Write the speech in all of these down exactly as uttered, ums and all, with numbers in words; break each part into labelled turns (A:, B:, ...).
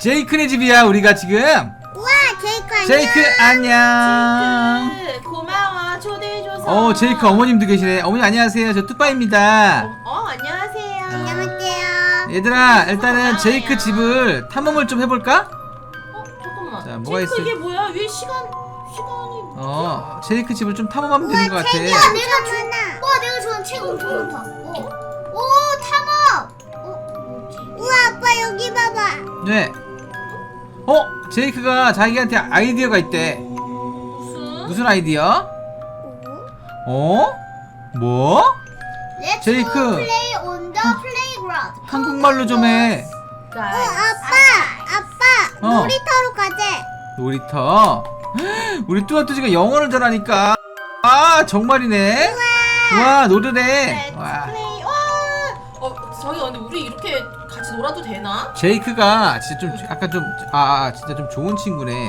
A: 제이크네 집이야 우리가 지금.
B: 우와 제이크 안녕.
A: 제이크 안녕.
C: 제이크 고마워 초대해줘서.
A: 어 제이크 어머님도 계시네. 어머니 안녕하세요. 저 뚜빠입니다.
C: 어, 어 안녕하세요.
B: 안녕하세요.
A: 얘들아 일단은 제이크 집을 탐험을 좀 해볼까?
C: 어 잠깐만.
A: 자, 뭐가
C: 제이크
A: 있을-
C: 이게 뭐야? 왜 시간 시간이?
A: 어 제이크 집을 좀 탐험하면 되는 것 같아.
B: 책이야 내가 좋아. 와 내가 좋아하는 책 엄청 많다. 어. 오 탐험. 어 뭐지? 우와 아빠 여기 봐봐.
A: 네. 어 제이크가 자기한테 아이디어가 있대.
C: 무슨?
A: 무슨 아이디어? 어? 뭐?
B: Let's
A: 제이크.
B: go play on the playground.
A: 한국말로 좀 해.
B: 어 아빠 아빠
A: 어.
B: 놀이터로 가재.
A: 놀이터. 우리 뚜아뚜지가 영어를 잘하니까. 아 정말이네. 와 노르네. 와.
C: 플레이. 와. 어 저기 근데 우리 이렇게 같이 놀아도 되나?
A: 제이크가 진짜 좀 약간 좀 아 진짜 좀 좋은 친구네.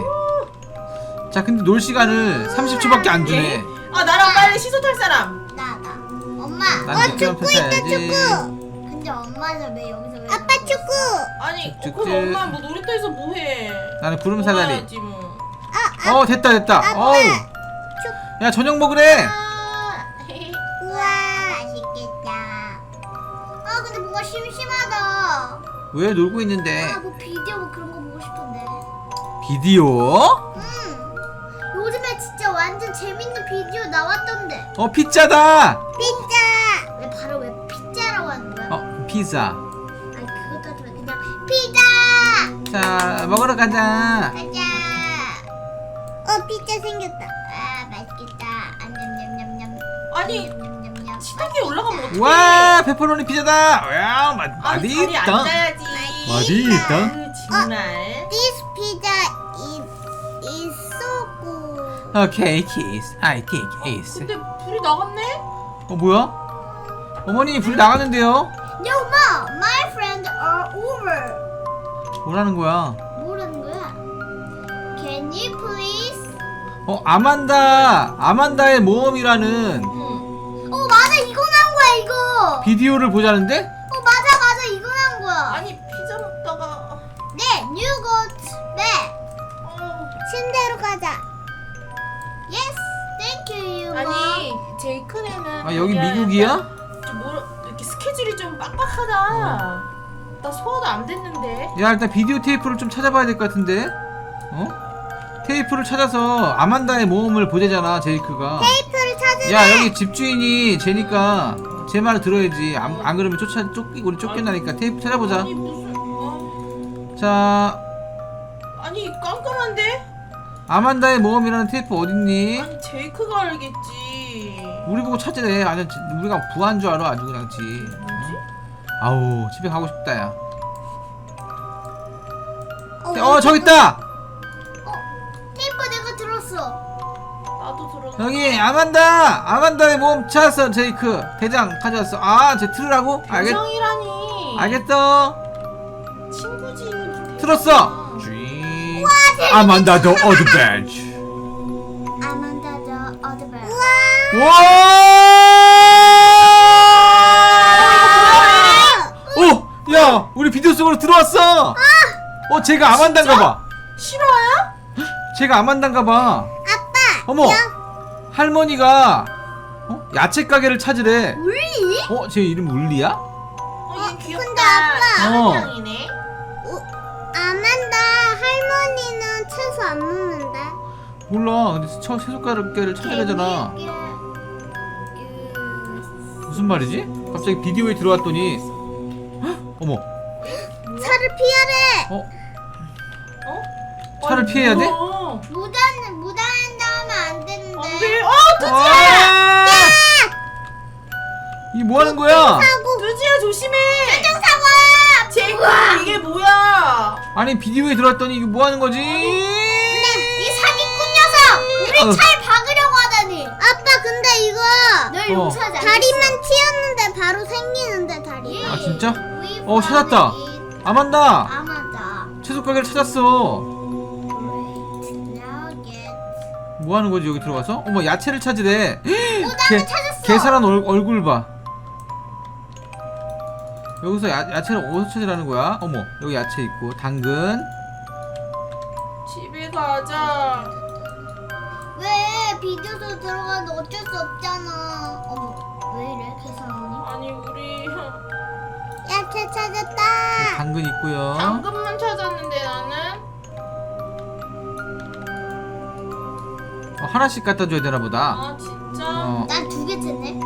A: 자 근데 놀 시간을 삼십 초밖에 안 주네.
C: 아 나랑 빨리 시소 탈 사람.
B: 나 나. 엄마.
A: 난
B: 어
A: 직접
B: 축구 있다
A: 해야지.
B: 축구. 근데 엄마는 왜 여기서 왜? 아빠 축구.
C: 아니 어,
A: 쭉쭉.
C: 그럼 엄마 뭐 놀이터에서 뭐해?
A: 나는 구름 사다리.
C: 놀아야지 뭐.
A: 어 됐다 됐다. 어우. 야 저녁 먹으래.
C: 아,
B: 우와 맛있겠다. 아 근데 뭔가 심심하다.
A: 왜 놀고 있는데?
B: 아 뭐 비디오 뭐 그런 거 보고 싶은데.
A: 비디오?
B: 음. 요즘에 진짜 완전 재밌는 비디오 나왔던데.
A: 어 피자다.
B: 피자. 왜 바로 왜 피자라고 하는 거야?
A: 어 피자.
B: 아니 그것도 하지 마. 그냥 피자.
A: 자 먹으러 가자.
B: 가자. 어 피자 생겼다. 아 맛있겠다. 안냠냠냠냠.
C: 아니
B: 냠냠냠냠.
C: 식탁에 올라가면 어떡해?
A: 와 페퍼로니 피자다. 야 맛,
C: 아니 자리에
A: 맛있다.
C: 앉아야지.
A: 맛있다.
C: 아유, 정말.
B: This pizza is is so good.
A: 오케이 키스. I think is.
C: 근데 불이 나갔네?
A: 어 뭐야? 어머니 불 나갔는데요?
B: No mom, my friends are over.
A: 뭐라는 거야?
B: 뭐라는 거야? Can you please?
A: 어 아만다 아만다의 모험이라는
C: 응.
B: 어 맞아 이거 나온 거야 이거.
A: 비디오를 보자는데?
B: 어 맞아 맞아 이거 나온 거야.
C: 아니 피자 먹다가
B: 네, you go back.
C: 어.
B: 침대로 가자. Yes, thank you, you mom.
C: 아니 제이크네는
A: 아 여기
C: 그냥
A: 미국이야?
C: 약간 좀 뭐라 이렇게 스케줄이 좀 빡빡하다. 나 소화도 안 됐는데.
A: 야 일단 비디오 테이프를 좀 찾아봐야 될 것 같은데? 어? 테이프를 찾아서 아만다의 모험을 보자잖아 제이크가.
B: 테이프를 찾으래.
A: 야 여기 집주인이 쟤니까 제 말을 들어야지. 안, 안 그러면 쫓아 쫓기 우리 쫓겨나니까 테이프 찾아보자.
C: 아니 무슨 어?
A: 자
C: 아니 깜깜한데?
A: 아만다의 모험이라는 테이프 어딨니?
C: 아니 제이크가 알겠지.
A: 우리 보고 찾으래. 아니 우리가 부한 줄 알아 아주 그냥지.
C: 뭐지?
A: 아우 집에 가고 싶다 야.
B: 어,
A: 어 저기 있다.
B: 테이프 내가 들었어.
C: 나도 들었어.
A: 여기 아만다 아만다의 모험 찾았어. 제이크 대장 가져왔어. 아쟤 틀으라고? 알겠
C: 대장이라니.
A: 알겠어.
C: 친구지.
A: 틀었어. 쥐. 아만다 더 어드벤처.
B: 아만다 더 어드벤.
A: 와! 어, 야, 우리 비디오 속으로 들어왔어. 어, 제가 아만다인가봐.
C: 실화야?
A: 제가 아만다인가봐.
B: 아빠.
A: 어머,
B: 야,
A: 할머니가 어? 야채 가게를 찾으래.
B: 울리?
A: 어, 제 이름 울리야?
C: 어, 얘 귀엽다.
B: 근데 아빠.
A: 어.
C: 대장이네.
B: 아만다 할머니는 채소 안 먹는데.
A: 몰라. 근데 처 채소 가게를 찾아야 되잖아.
B: 이게- 이게-
A: 무슨 말이지? 갑자기 비디오에 들어왔더니, 헉, 어머,
B: 차를 피하래.
A: 어,
C: 어?
A: 차를
C: 아니,
A: 피해야 돼?
C: 뭐야.
B: 무단 무단횡단 하면 안 되는데.
C: 안 돼. 어, 뚜지야.
A: 아! 이 뭐 하는 거야?
B: 사고.
C: 뚜지야 조심해.
B: 사고.
C: 제이크 이게 뭐야?
A: 아니 비디오에 들어왔더니 이게 뭐 하는 거지?
B: 근데 이 사기꾼 녀석 우리
A: 어.
B: 차를 박으려고 하다니. 아빠 근데 이거 널
A: 어.
B: 용서하지 않겠어. 다리만 튀었는데 바로 생기는데 다리.
A: 아 진짜? 어 찾았다. 아만다
B: 아마다.
A: 채소 가게를 찾았어. 뭐 하는 거지 여기 들어가서? 어머 야채를 찾으래.
B: 나도 찾았어.
A: 계산한 얼, 얼굴 봐. 여기서 야, 야채를 어디서 찾으라는 거야? 어머 여기 야채 있고 당근
C: 가자.
B: 왜 비디오도 들어가는데 어쩔 수 없잖아. 어머 왜 이래 계산하니?
C: 아니 우리
B: 야채 찾았다.
A: 당근 있고요.
C: 당근만 찾았는데 나는.
A: 어, 하나씩 갖다 줘야 되나 보다.
C: 아 진짜?
A: 어.
B: 난 두 개 찾네.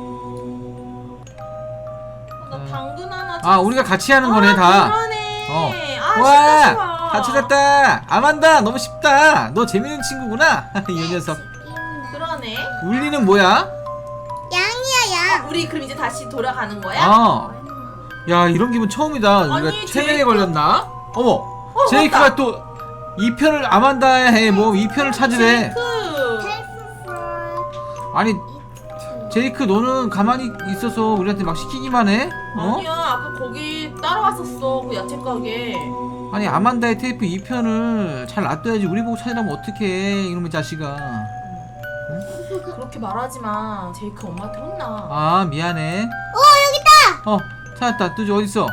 C: 아, 나 당근 하나.
A: 아, 우리가 같이 하는 거네,
C: 아,
A: 다.
C: 그러네.
A: 어.
C: 아,
A: 와,
C: 쉽다, 쉬워.
A: 다 찾았다. 아만다, 너무 쉽다. 너 재밌는 친구구나. 이 녀석.
C: 그러네.
A: 울리는 뭐야?
B: 양이야 양.
C: 우리 그럼 이제 다시 돌아가는 거야?
A: 어. 야, 이런 기분 처음이다. 우리가
C: 아니,
A: 체면에
C: 제이크.
A: 걸렸나? 어머,
C: 어,
A: 제이크가
C: 맞다.
A: 또 이 편을 아만다에 뭐 이 편을 찾으래.
C: 제이크.
A: 아니, 제이크 너는 가만히 있어서 우리한테 막 시키기만 해? 어?
C: 아니야, 아까 거기 따라왔었어. 그 야채 가게.
A: 아니, 아만다의 테이프 이 편을 잘 놔둬야지. 우리 보고 찾으라면 어떡해, 이놈의 자식아.
C: 그렇게 말하지 마. 제이크 엄마한테 혼나.
A: 아, 미안해.
B: 오 여기다.
A: 어, 찾았다. 뚜지 어딨어?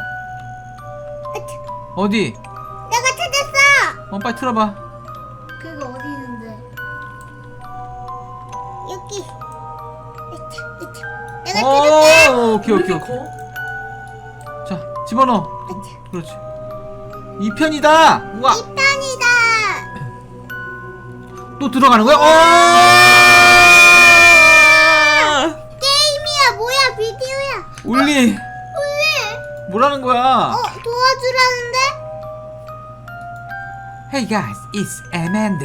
A: 어디?
B: 내가 찾았어.
A: 어, 빨리 틀어봐.
B: 그거 어디 있는데? 여기. 으차, 으차. 내가 찾았다.
A: 어, 오케이, 오케이,
C: 왜
A: 오케이.
C: 이렇게 커?
A: 자, 집어넣어. 그렇지. 이 편이다. 우와,
B: 이 편이다.
A: 또 들어가는 거야? 어!
B: 게임이야 뭐야 비디오야.
A: 울리,
B: 왜?
A: 뭐라는 거야?
B: 어 도와주라는데?
A: Hey guys, it's Amanda.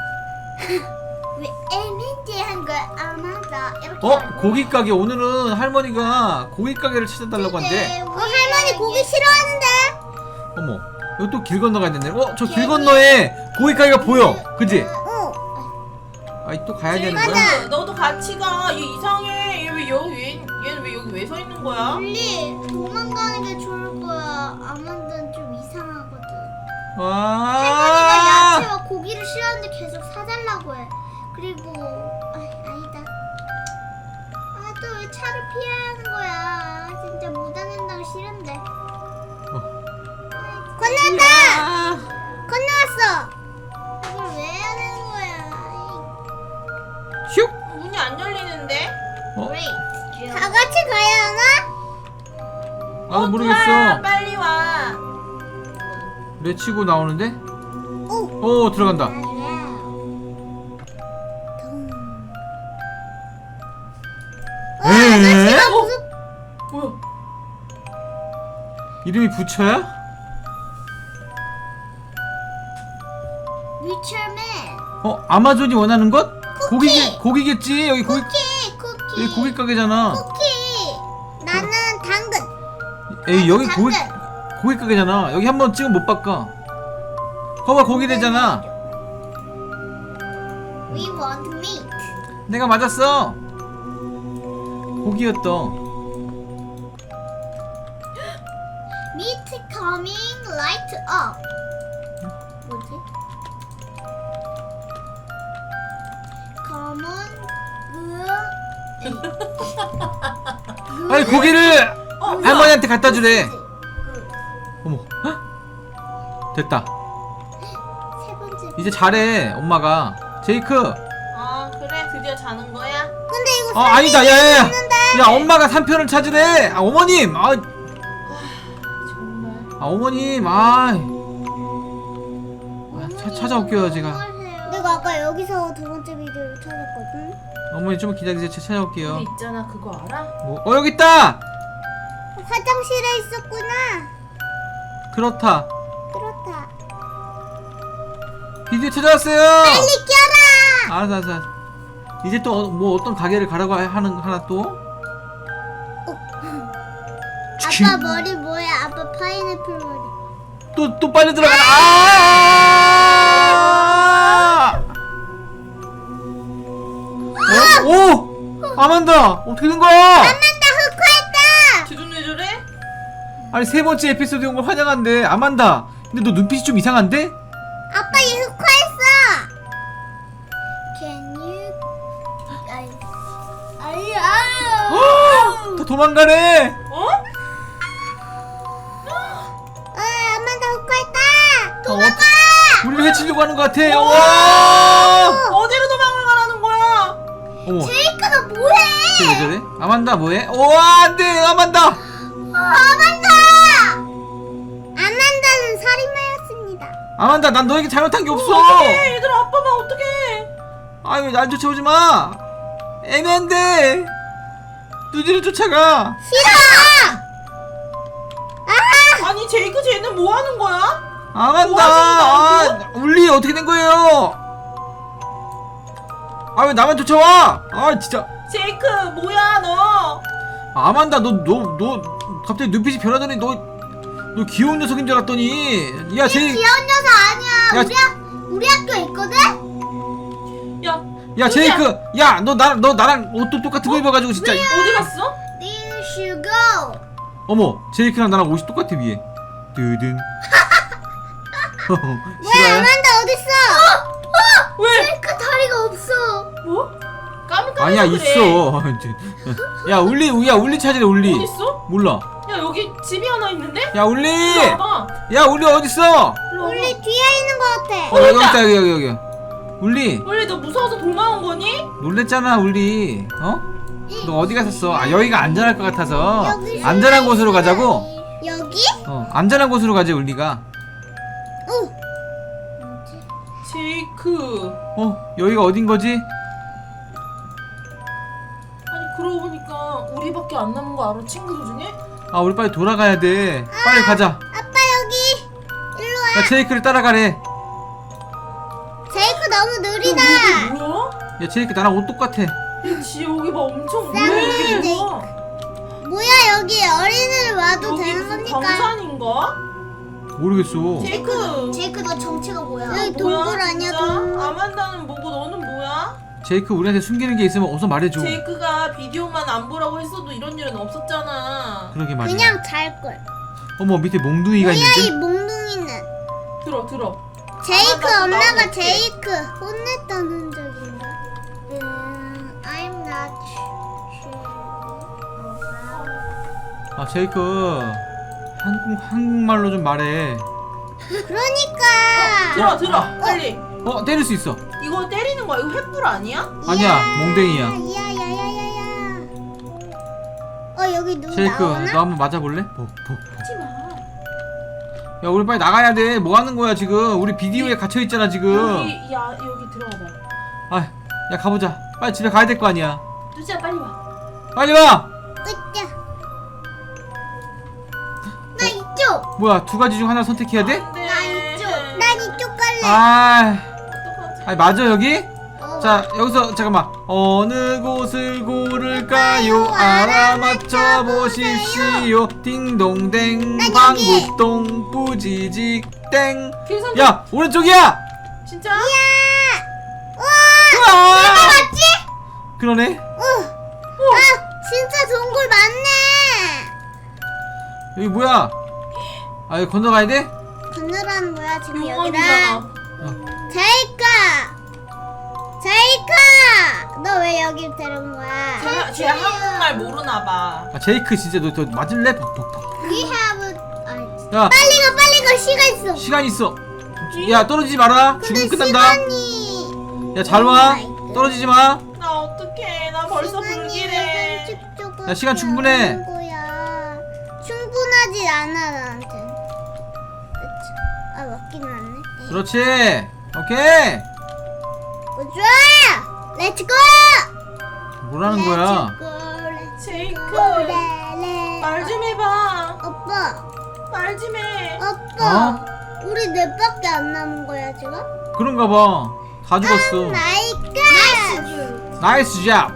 B: 왜 에멘티 한 거야? 아마다 이렇게.
A: 어,
B: 하는 거야.
A: 고기 가게. 오늘은 할머니가 고기 가게를 찾아달라고 한대.
B: 근데 어, 할머니 고기 싫어하는데?
A: 어머, 이거 또 길 건너가야 되네. 어, 저 길 건너에 고기 가게가 보여. 그지?
B: 어.
A: 아이, 또 가야 되는
C: 제이크,
A: 거야?
B: 맞아.
C: 너도 같이 가. 얘 이상해. 얘 왜 여기 얘, 얘는 왜 여기 왜 서 있는 거야?
B: 원리 도망가는 게 좋을 거야. 아만드는 좀 이상하거든. 할머니가
A: 와.
B: 야채와 고기를 싫어하는데 계속 사달라고 해. 그리고 아, 아니다. 아 또 왜 차를 피해야 하는 거야? 진짜 무단횡단 싫은데. 건너왔다.
A: 아.
B: 건너왔어. 이걸 왜 해야 되는 거야?
A: 슉.
C: 문이 안 열리는데?
A: 어?
B: 다 같이 가야 하나?
A: 나도
C: 뚜아,
A: 모르겠어.
C: 빨리 와.
A: 레치고 나오는데?
B: 오.
A: 오, 들어간다.
B: 와,
A: 에?
B: 아저씨가 무슨
C: 뭐야?
A: 이름이 부처야?
B: 위쳐맨
A: 어, 아마존이 원하는 것?
B: 쿠키.
A: 고기, 고기겠지? 여기 고기,
B: 쿠키 쿠키
A: 여기 고기 가게잖아.
B: 쿠키 나는 당근
A: 에이, 여기
B: 당근.
A: 고기, 고기 가게잖아. 여기 한번 찍으면 못 바꿔. 거봐, 고기 되잖아.
B: We want meat.
A: 내가 맞았어. 고기였어.
B: Meat coming light up. 뭐지? 검은 으
A: 아니, 고기를
C: 어, 뭐야?
A: 할머니한테 갖다 주래.
B: 그
A: 어머, 헉? 됐다.
B: 세 번째.
A: 이제 잘해, 엄마가. 제이크.
C: 아 그래 드디어 자는 거야?
B: 근데 이거
A: 아, 아니다, 야, 야, 야.
B: 있는데.
A: 야, 엄마가 삼 편을 찾으래. 아, 어머님. 아,
C: 정말.
A: 아 어머님. 아. 아, 차, 찾아올게요, 제가.
B: 내가 아까 여기서 두 번째 비디오를 찾았거든.
A: 어머니 좀 기다리세요. 제가 찾아올게요.
C: 근데 있잖아 그거 알아?
A: 뭐, 어, 여기 있다.
B: 화장실에 있었구나.
A: 그렇다.
B: 그렇다.
A: 비디오 찾아왔어요.
B: 빨리 껴라.
A: 알았어, 알았어, 알았어. 이제 또 뭐 어떤 가게를 가라고 하는 하나 또?
B: 아빠 머리 뭐야? 아빠 파인애플 머리.
A: 또 또 빨리 들어가라. 아! 어? 오! 아만다. 어떻게 된 거야?
B: 아만다 흑화했다.
C: 기준 왜 저래?
A: 아니, 세 번째 에피소드 온 걸 환영한데. 아만다. 근데 너 눈빛이 좀 이상한데?
B: 아빠 얘 흑화했어. Can you? 아이, 아이, 아.
A: 더 도망가네.
C: 어?
B: 아, 아만다 흑화했다.
A: 도망가. 우리를 도망치려고 하는 것 같아. 와!
C: 어디로 도망을 가라는 거야?
A: 어머.
B: 제이크 너 뭐해?
A: 쟤왜 저래? 아만다 뭐해? 와 안돼 아만다.
B: 아만다! 아만다는 살인마였습니다.
A: 아만다 난 너에게 잘못한 게 없어.
C: 어떡해 얘들아 아빠만 어떡해.
A: 아유 날 쫓아오지 마. 애매한데. 누디를 쫓아가.
B: 싫어! 아!
C: 아니 제이크 쟤는 뭐 하는 거야?
A: 아만다. 아, 울리 어떻게 된 거예요? 아 왜 나만 쫓아와? 아 진짜.
C: 제이크 뭐야 너?
A: 아만다 너 너 너 갑자기 눈빛이 변하더니 너 너 귀여운 녀석인 줄 알았더니 야 제이
B: 귀여운 녀석 아니야.
A: 야,
B: 우리, 학, 우리 학교에 있거든?
C: 야
A: 야
C: 누구야?
A: 제이크 야 너 나 너 나랑 옷도 똑같은 거 입어가지고 진짜
C: 어디 갔어?
B: There you go.
A: 어머 제이크랑 나랑 옷이 똑같아 위에 뜨든
B: 뭐야
A: 싫어요?
B: 아만다 어딨어?
C: 왜?
B: 제이크 다리가 없어.
C: 뭐? 까물까물
A: 아니야
C: 그래.
A: 있어 야 울리 야 울리 찾으래 울리
C: 어딨어?
A: 몰라
C: 야 여기 집이 하나 있는데?
A: 야 울리
C: 일로 와봐.
A: 야 울리 어딨어
C: 일로 와봐.
B: 우리 뒤에 있는 거 같아.
A: 어 여기 있다 여기 여기 여기 울리
C: 원래 너 무서워서 도망온 거니?
A: 놀랬잖아 울리 어? 너 어디 갔었어? 아 여기가 안전할 것 같아서
B: 여기
A: 안전한 곳으로 가자고?
B: 여기?
A: 어 안전한 곳으로 가지 울리가
B: 오.
C: 제이크.
A: 어 여기가 어딘 거지?
C: 아니 그러고 보니까 우리밖에 안 남은 거 알아 친구들 중에?
A: 아 우리 빨리 돌아가야 돼 빨리 가자
B: 아빠 여기. 일로 와.
A: 야 제이크를 따라가래
B: 제이크 너무 느리다.
C: 야, 여기 뭐야?
A: 야 제이크 나랑 옷 똑같아
C: 야, 지 여기 봐 엄청 뭐야
B: 쌍둥이
C: 여기 뭐야?
B: 뭐야 여기 어린이를 와도
C: 여기
B: 되는
C: 무슨
B: 겁니까?
C: 광산인가?
A: 모르겠어
C: 제이크
B: 제이크 너 정체가 뭐야?
C: 너
B: 여기
C: 뭐야,
B: 동굴 아니야
C: 진짜?
B: 동굴?
C: 아만다는 뭐고 너는 뭐야?
A: 제이크 우리한테 숨기는 게 있으면 어서 말해줘
C: 제이크가 비디오만 안 보라고 했어도 이런 일은 없었잖아.
A: 그러게 말이야
B: 그냥 잘걸.
A: 어머 밑에 몽둥이가
B: 뭐야 이
A: 있는데?
B: 몽둥이는?
C: 들어 들어.
B: 제이크
C: 아마 나도
B: 엄마가
C: 나올게.
B: 제이크 혼냈다는 적인가? 음, I'm not sure.
A: 아 제이크 한국, 한국말로 좀 말해
B: 그러니까.
C: 들어 들어 빨리.
A: 어 때릴 수 있어
C: 이거 때리는 거야? 이거 횃불 아니야?
A: 아니야, 몽댕이야.
B: 야야야야야. 어 여기 누구
A: 제이크
B: 나오나?
A: 너 한번 맞아볼래? 복, 복, 복.
C: 하지 마.
A: 야 우리 빨리 나가야 돼 뭐하는 거야 지금 우리 비디오에 갇혀있잖아 지금
C: 여기 야 여기 들어와봐.
A: 아 야 가보자 빨리 집에 가야 될 거 아니야
C: 두지야 빨리 와.
A: 빨리 와
B: 으쌰. 나 이쪽.
A: 뭐야 두 가지 중 하나 선택해야 돼?
C: 안돼.
B: 나 이쪽. 난 이쪽 갈래.
A: 아
C: 어떡하지?
A: 아니 맞아 여기?
B: 어.
A: 자 여기서 잠깐만 어느 곳을 고를까요 알아맞혀 보십시오 딩동댕
B: 난 여기.
A: 방구똥 뿌지직 땡
C: 계산.
A: 야 오른쪽이야
C: 진짜?
B: 우와.
A: 우와!
B: 내가 맞지?
A: 그러네
B: 어. 아 진짜 동굴 많네.
A: 여기 뭐야 아 여기 건너가야 돼?
B: 건너라는 거야 지금 여기랑.
C: 용암이잖아.
A: 어.
B: 제이크. 제이크. 너 왜 여기 데려온 거야?
C: 쟤, 쟤 한국말 모르나 봐.
A: 아 제이크 진짜 너, 너 맞을래? 벅벅벅
B: We have. 아니.
A: 야
B: 빨리 가 빨리 가 시간 있어.
A: 시간 있어 야 떨어지지 마라
B: 근데
A: 죽으면 끝난다
B: 시간이.
A: 야 잘 와
B: 오
A: 떨어지지 마
C: 나 어떡해. 나 벌써 불길해.
A: 야, 시간 충분해.
B: 거야. 충분하지 않아 나한테. 그치? 아 맞긴 맞네.
A: 그렇지 오케이
B: 어, 좋아. 렛츠고.
A: 뭐라는 거야
C: 제이크.
B: 말
C: 말 좀 해봐.
B: 오빠.
C: 말 좀 해.
B: 오빠.
A: 어?
B: 우리 넷밖에 안 남은 거야 지금?
A: 그런가 봐다 죽었어
B: 나이스.
A: 나이스 잡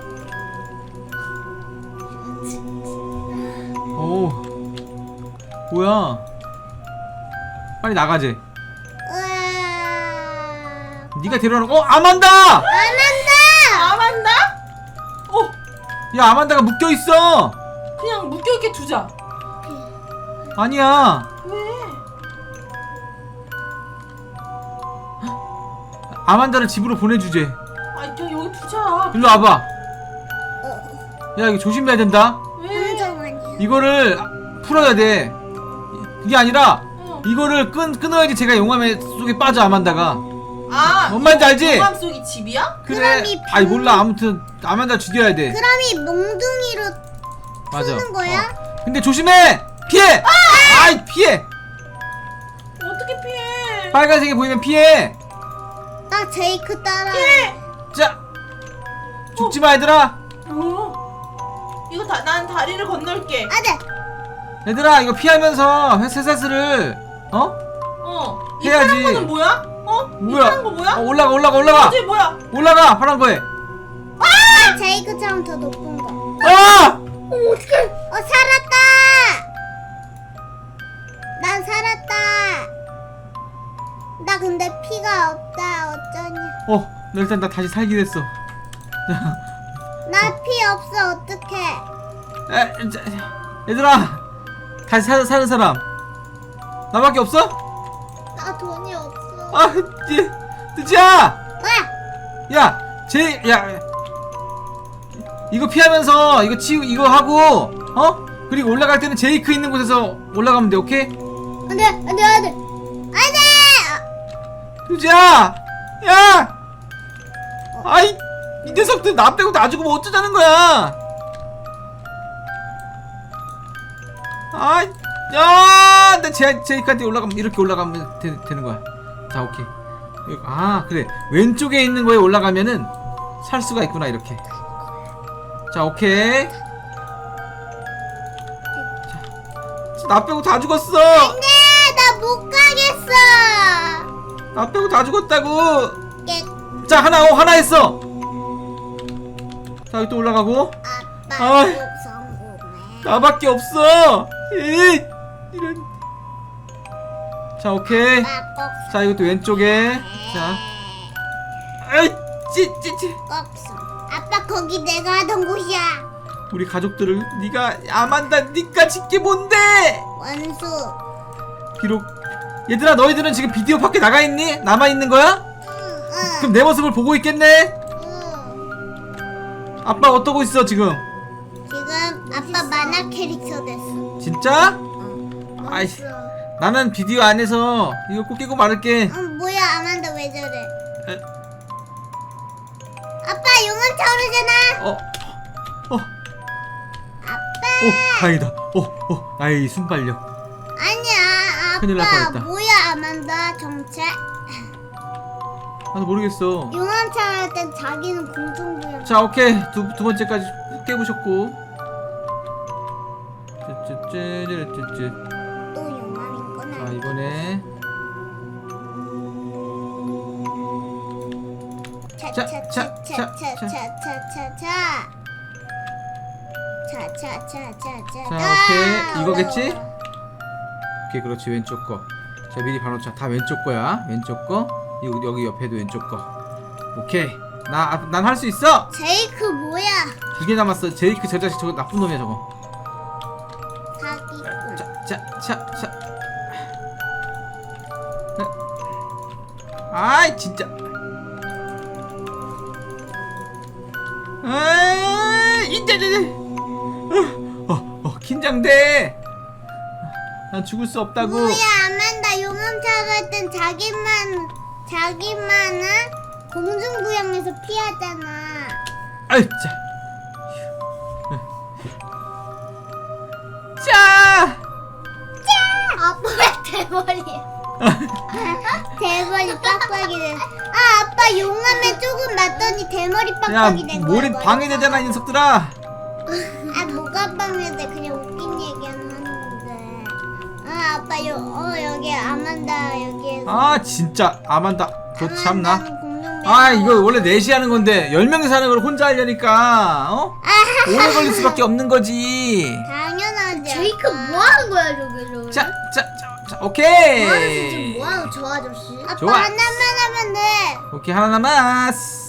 A: 오 뭐야 빨리 나가재
B: 우와.
A: 네가 데려오는 어 아만다
B: 안 한다.
C: 아 맞나? 어
A: 야 아만다가 묶여있어
C: 그냥 묶여있게 두자.
A: 아니야
C: 왜?
A: 아만다를 집으로 보내주재
C: 아 저 여기 두자.
A: 일로 와봐
B: 어.
A: 야 이거 조심해야 된다
C: 왜?
B: 혼자만이야.
A: 이거를 풀어야 돼 이게 아니라
C: 어.
A: 이거를 끈, 끊어야지 제가 용암에 속에 빠져 아만다가.
C: 아,
A: 뭔 말인지 알지?
C: 용암 속이 집이야?
A: 그래.
B: 그럼 이
A: 아니
B: 방-
A: 몰라. 아무튼 아만다 죽여야 돼.
B: 그럼 이 몽둥이로
A: 맞아.
B: 푸는 거야?
A: 어. 근데 조심해. 피해. 아! 아이 피해.
C: 어떻게 피해?
A: 빨간색이 보이면 피해.
B: 나 제이크 따라.
A: 자. 죽지 마 얘들아.
C: 어? 이거 다, 난 다리를 건널게.
B: 아네.
A: 얘들아 이거 피하면서 회사사스를 어?
C: 어. 이
A: 해야지.
C: 파란 거는 뭐야? 어?
A: 뭐야?
C: 이 파란 거 뭐야?
A: 어, 올라가 올라가 올라가.
C: 어제 뭐야?
A: 올라가 파란 거에.
B: 아 제이크처럼 더 높은 거.
A: 아!
B: 어 어떡해. 어 살았다. 난 살았다. 나 근데 피가 없다. 어쩌냐.
A: 어, 나 일단 나 다시 살게 됐어.
B: 나 피 없어. 어떡해.
A: 에, 자, 얘들아 다시 사, 사는 사람 나밖에 없어?
B: 나 돈이 없어.
A: 아, 띠, 뜨지야!
B: 왜?
A: 야, 제, 야, 이거 피하면서 이거 치, 이거 하고, 어? 그리고 올라갈 때는 제이크 있는 곳에서 올라가면 돼, 오케이?
B: 안돼 안돼 안돼 안돼.
A: 뜨지야! 야! 아이, 이 녀석들 나 빼고 나 죽으면 어쩌자는 거야? 아, 야, 나 제, 제이크한테 올라가면 이렇게 올라가면 되, 되는 거야. 자, 오케이. 이거- 아, 그래. 왼쪽에 있는 거에 올라가면은 살 수가 있구나 이렇게. 자, 오케이. 자, 나 빼고 다 죽었어.
B: 안돼 나 못 가겠어.
A: 나 빼고 다 죽었다고.
B: 깨.
A: 자, 하나, 어, 하나 했어. 자, 여기 또 올라가고.
B: 아빠
A: 아이.
B: 꼭 성공해.
A: 나밖에 없어. 이, 이런. 자, 오케이.
B: 아빠 꼭
A: 자, 이것도 왼쪽에. 자, 아이, 찌, 찌, 찌.
B: 꼭 성. 아빠 거기 내가 하던 곳이야.
A: 우리 가족들을 네가 아만다 니까 짓게 뭔데?
B: 원수.
A: 비록 얘들아 너희들은 지금 비디오 밖에 나가 있니? 남아 있는 거야?
B: 응,
A: 그럼 내 모습을 보고 있겠네?
B: 응.
A: 아빠 어떠고 있어 지금?
B: 지금 아빠 만화 캐릭터 됐어.
A: 진짜?
B: 응.
A: 아이,
B: 원수.
A: 나는 비디오 안에서 이거 꼭 끼고 말을게.
B: 응, 뭐야 아만다 왜 저래?
A: 에?
B: 아빠 용암 차오르잖아.
A: 어, 어,
B: 아빠.
A: 오, 다행이다. 어, 어, 나의 이 순발력.
B: 아니야
A: 큰일 날
B: 아빠
A: 뻔했다.
B: 뭐야 아만다 정체.
A: 나도 모르겠어.
B: 용암 차오를 땐 자기는 공중부양.
A: 자, 오케이. 두, 두 번째까지 깨보셨고. 쯔쯔쯔쯔쯔쯔.
B: 또 용암인 건
A: 자,
B: 아니야.
A: 이번에. 자, 자, 자, 자.
B: 차차차차차차차차. 차차차차차.
A: 자, 오케이. 이거겠지? 오케이, 그렇지. 왼쪽 거. 자, 미리 봐놓자. 다 왼쪽 거야. 왼쪽 거. 여기, 여기 옆에도 왼쪽 거. 오케이. 나, 난 할 수 있어!
B: 제이크 뭐야?
A: 두 개 남았어. 제이크 저 자식 저거 나쁜 놈이야, 저거.
B: 사기꾼.
A: 자, 자, 자, 자. 아이, 진짜. 아이, 이제, 이제. 어, 어, 어, 긴장돼. 난 죽을 수 없다고.
B: 뭐야 아만다 용암 차오를 땐 자기만 자기만은 공중부양에서 피하잖아.
A: 아이, 자. 자.
B: 아빠 왜 대머리야? 대머리 빡빡이 돼. 아 아빠 용암에 조금 맞더니 대머리
A: 야,
B: 빡빡이 된 거야.
A: 머리 방해되잖아, 이 녀석들아.
B: 아 뭐가 방해돼? 그냥 웃긴 얘기는 하는 건데. 아 아빠 요, 어 여기 아만다 여기에서.
A: 아, 진짜. 아만다. 그 참나.
B: 아만다는 공룡
A: 아, 이거 원래 넷이 하는 건데 열 명이서 하는 걸 혼자 하려니까 어? 오래 걸릴 수밖에 없는 거지.
B: 당연하지.
D: 제이크 뭐 하는 거야 저기로?
A: 자, 자, 자, 자, 오케이.
D: 뭐 하는 지금 뭐 하는 저 아저씨?
B: 아빠
A: 좋아.
B: 하나만 하면 돼.
A: 오케이, 하나 남았어.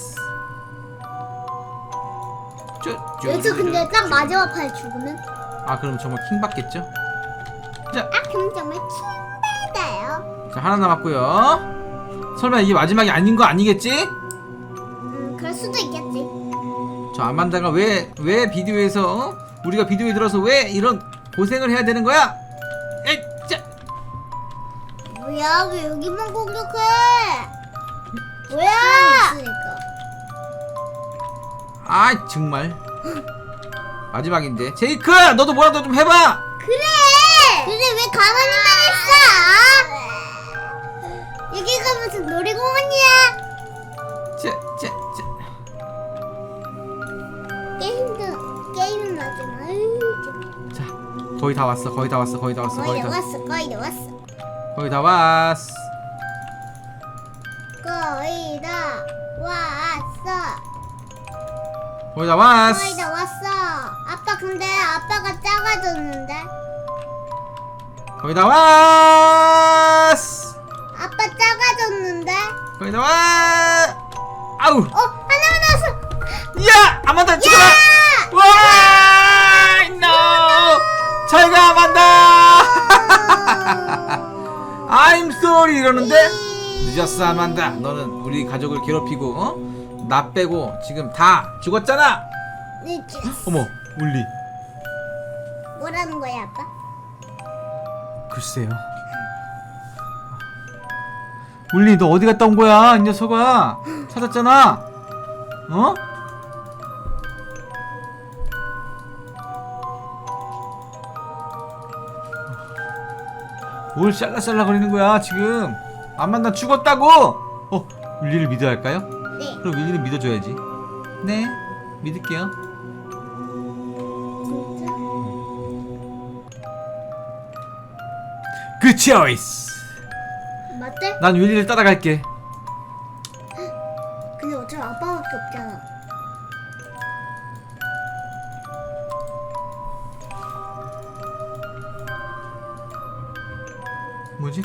A: 쪼, 쪼,
D: 여기서 근데
A: 쪼,
D: 딱
A: 쪼.
D: 마지막 판 죽으면?
A: 아, 그럼 정말 킹 받겠죠? 자,
B: 아 그럼 정말 킹받아요.
A: 자, 하나 남았고요. 설마 이게 마지막이 아닌 거 아니겠지?
B: 음 그럴 수도 있겠지.
A: 저 아만다가 왜 왜 비디오에서 어? 우리가 비디오에 들어서 왜 이런 고생을 해야 되는 거야? 에이, 자,
B: 뭐야 왜 여기만 공격해? 뭐야?
D: 있으니까.
A: 아 정말 마지막인데. 제이크 너도 뭐라도 좀 해봐.
B: 그래. 그래 왜 가만히만 있어? 여기가 무슨 놀이공원이야?
A: 제, 제, 제.
B: 게임도 게임은 마지막. 아유, 좀.
A: 자 거의 다 왔어 거의 다 왔어 거의 다 왔어
B: 거의
A: 거의
B: 다
A: 다
B: 왔어 거의 다 왔어
A: 거의 다 왔어.
B: 거의 다 왔어
A: 거의 다 왔어.
B: 거의 다 왔어. 아빠 근데 아빠가 작아졌는데?
A: 거의 다 왔어.
B: 아빠 작아졌는데?
A: 거의 다 왔. 아우.
B: 어 하나만 남았어.
A: 야 아만다 죽어라. 와 no. 잘가 아만다. I'm sorry 이러는데 늦었어 아만다. 너는 우리 가족을 괴롭히고 어? 나 빼고 지금 다 죽었잖아.
B: 늦었어.
A: 어머 울리.
B: 뭐라는 거야 아빠?
A: 글쎄요. 울리 너 어디 갔다 온 거야 이 녀석아. 찾았잖아. 어? 뭘 샬라샬라 거리는 거야 지금. 안 만나 죽었다고. 어 울리를 믿어야 할까요?
B: 네.
A: 그럼 울리는 믿어줘야지. 네 믿을게요.
B: 진짜?
A: 그 초이스.
B: 맞대?
A: 난 윌리를 따라갈게.
B: 근데 어차피 아빠밖에 없잖아.
A: 뭐지?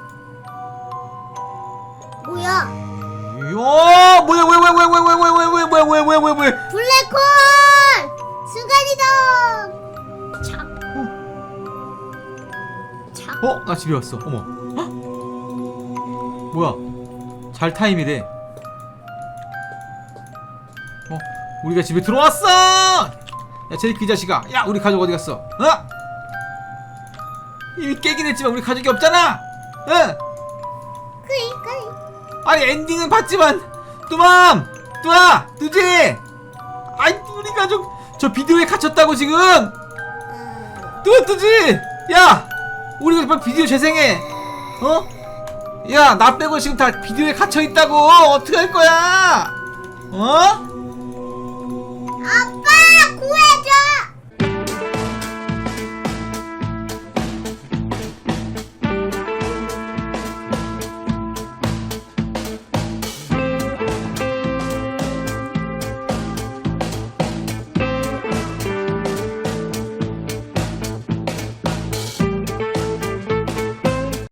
B: 뭐야?
A: 야 뭐야 왜 왜 왜 왜 왜 왜 왜 왜 왜 왜 왜 왜
B: 블랙홀! 순간이동! 착. 착.
A: 어? 나 집에 왔어. 어머. 헉? 뭐야? 잘 타임이래. 어? 우리가 집에 들어왔어! 야 제이크 이 자식아. 야 우리 가족 어디 갔어? 어? 이미 깨긴 했지만 우리 가족이 없잖아. 응?
B: 그이 그이.
A: 아니 엔딩은 봤지만 뚜맘! 뚜아! 뚜지! 아이 우리 가족 저 비디오에 갇혔다고 지금!
B: 어...
A: 뚜아 뚜지! 야! 우리 빨리 비디오 재생해! 어? 야 나 빼고 지금 다 비디오에 갇혀있다고! 어떻게 할 거야! 어?
B: 아빠!